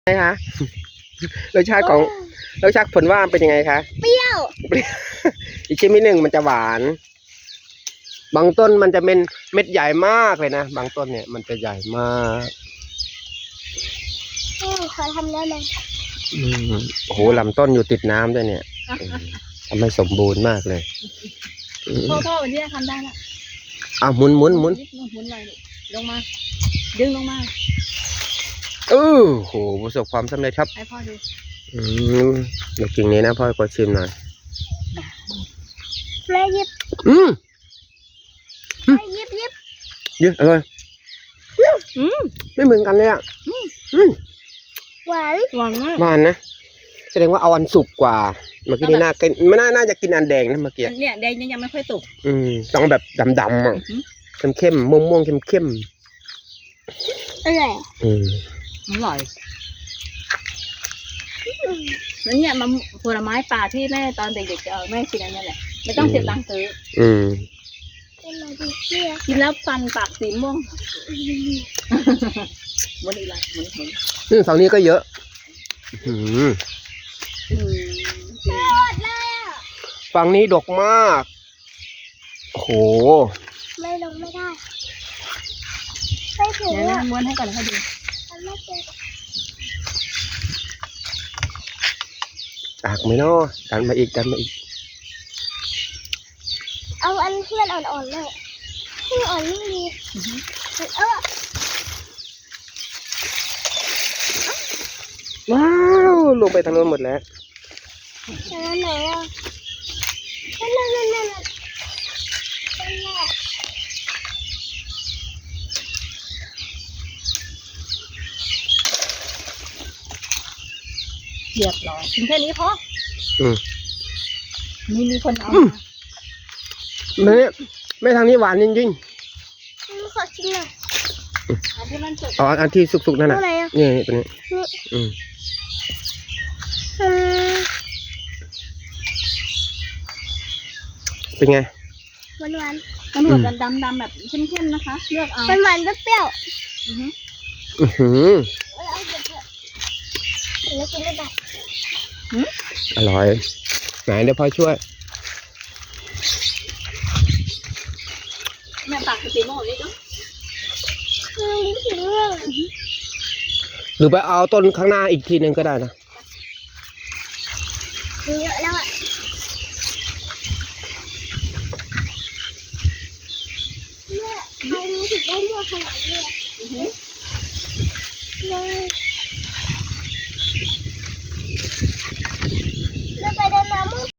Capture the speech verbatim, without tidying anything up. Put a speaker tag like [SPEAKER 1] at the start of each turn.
[SPEAKER 1] ไงคะรสชาติของรสชาติผลว่าเป็นยังไงคะ
[SPEAKER 2] เปรี้ยว
[SPEAKER 1] อีกชิ้นที่หนึ่งมันจะหวาน บางต้นมันจะเป็นเม็ดใหญ่มากเลยนะบางต้นเนี่ยมันจะใหญ่มาก
[SPEAKER 2] ขอทำแล้วเลย
[SPEAKER 1] อืมโอ้โหลำต้นอยู่ติดน้ำด้วยเนี่ยทำให้สมบูรณ์มากเลย
[SPEAKER 3] พ่อพ่อวันนี้ทำได้ละ
[SPEAKER 1] อ่ะหมุนหมุนหมุน
[SPEAKER 3] หมุนเลยลงมาดึงลงมา
[SPEAKER 1] เออโหประสบความสำเร็จครับ
[SPEAKER 3] ให้พ่อดู
[SPEAKER 1] อืมเดี๋ยวกิ่งนี้นะพ่อขอชิมหน่อย
[SPEAKER 2] แม่ยิบ
[SPEAKER 1] อืม
[SPEAKER 2] แม่ยิบยิบ
[SPEAKER 1] เยอะอร่อย
[SPEAKER 3] อืม
[SPEAKER 1] ไม่เหมือนกันเลยอ่ะอืม
[SPEAKER 2] หวาน
[SPEAKER 3] หวานมาก
[SPEAKER 1] หวานนะแสดงว่าเอาอันสุกกว่าเมื่อกี้นี่น่ากินไม่น่าน่าจะกินอันแดงนะเมื่อกี้
[SPEAKER 3] เนี่ยแดงยังไม่ค่อยสุก
[SPEAKER 1] อืมต้องแบบดำๆอ่ะเข้มเข้มม่วงม่วงเข้มเข้ม
[SPEAKER 2] อร่อย
[SPEAKER 1] อืม
[SPEAKER 3] อร่อยแล้วเนี่ยมันผลไม้ป่าที่แม่ตอนเด็กๆเออแม่กินอันนี้แหละไม่ต้องเสียตังค์ซื้อ
[SPEAKER 1] อืม
[SPEAKER 3] กินแล้วฟันปากสีม่วงหมุนอีกแล้วหมุนหมุน
[SPEAKER 1] นี่ฝั่งนี้ก็เยอะอืมฝั่งนี้ดกมากโอ้โห
[SPEAKER 2] ไม่ลงไม่ได้ไม่ถึง
[SPEAKER 3] เนี่ยม้วนให้ก่อนให้ดู
[SPEAKER 1] จากไหมเนาะดันมาอีกดันมาอีก
[SPEAKER 2] เอาอันที่มันอ่อนๆเลยที่อ่อนยิ่งดีเออ
[SPEAKER 1] ว้าวลงไปทางโน้นหมดแล้ว
[SPEAKER 2] ทางไหนอ่ะนั่นนั่นนั่นนั่น
[SPEAKER 3] เรียบร้อยกินแค่นี้พอ
[SPEAKER 1] อืม
[SPEAKER 3] มีมีคนเอา
[SPEAKER 1] ไม่ไม่ทางนี้หวานจริง
[SPEAKER 2] ๆขอชิมหน่อย
[SPEAKER 3] อันที่มันสุก
[SPEAKER 1] อ๋ออันที่สุกๆนั่นน่ะนี่ตัวนี้อืมเป็นไง
[SPEAKER 2] หวานหวาน
[SPEAKER 3] มันเหมือนกันดำๆแบบเข้มๆนะคะเลือกเอา
[SPEAKER 2] หวานหวานเปรี้ยว
[SPEAKER 1] อือหือ
[SPEAKER 2] แล้วกินได้
[SPEAKER 1] อร่อยไหนเดี๋ยวพ่อช่วย
[SPEAKER 3] แม่ตักสีม่วงนี่ดู
[SPEAKER 2] ลิ้นสีม่วง
[SPEAKER 1] หรือไปเอาต้นข้างหน้าอีกทีหนึ่งก็ได้นะ
[SPEAKER 2] เยอะแล้วอ่ะเนี่ยใครรู้สึกได้เมื่อขนาดนี้เลย